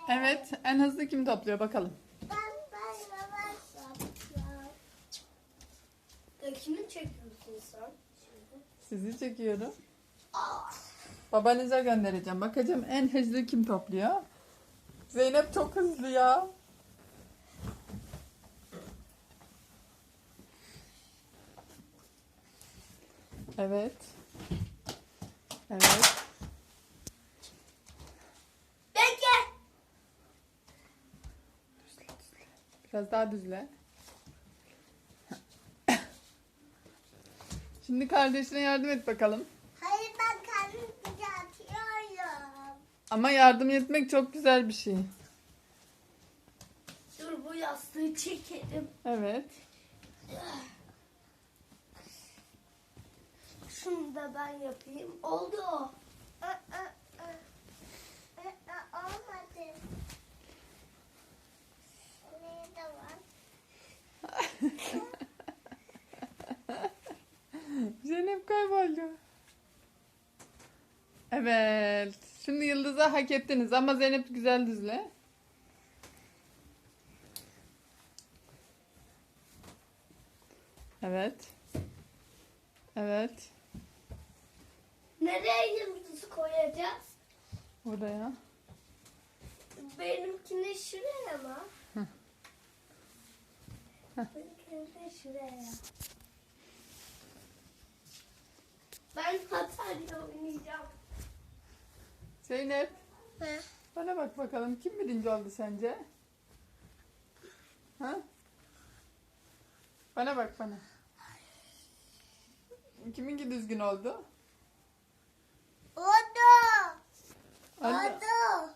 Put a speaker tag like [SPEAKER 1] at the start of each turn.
[SPEAKER 1] Evet, en hızlı kim topluyor bakalım.
[SPEAKER 2] Ben yavaş yapacağım. Kimi çekiyorsun sen?
[SPEAKER 1] Sizi çekiyorum. Babanıza göndereceğim. Bakacağım en hızlı kim topluyor. Zeynep çok hızlı ya. Evet. Evet.
[SPEAKER 2] Bekle.
[SPEAKER 1] Biraz daha düzle. Şimdi kardeşine yardım et bakalım.
[SPEAKER 2] Hayır ben kendim düzeltiyorum.
[SPEAKER 1] Ama yardım etmek çok güzel bir şey.
[SPEAKER 2] Dur bu yastığı çekelim.
[SPEAKER 1] Evet.
[SPEAKER 2] Şunu da ben yapayım. Oldu o. Olmadı. Nerede var?
[SPEAKER 1] Zeynep kayboldu. Evet. Şimdi Yıldız'a hak ettiniz ama Zeynep güzel düzle. Evet. Evet.
[SPEAKER 2] Nereye yıldızı koyacağız?
[SPEAKER 1] Oraya.
[SPEAKER 2] Benimkini şuraya mı?
[SPEAKER 1] Hı.
[SPEAKER 2] Benimkini de şuraya. Ben Hatay'la oynayacağım.
[SPEAKER 1] Zeynep,
[SPEAKER 2] He.
[SPEAKER 1] bana bak bakalım kim birinci oldu sence? Ha? Bana bak bana. Kiminki düzgün oldu?
[SPEAKER 2] Oldu.
[SPEAKER 1] Anne,
[SPEAKER 2] Oldu.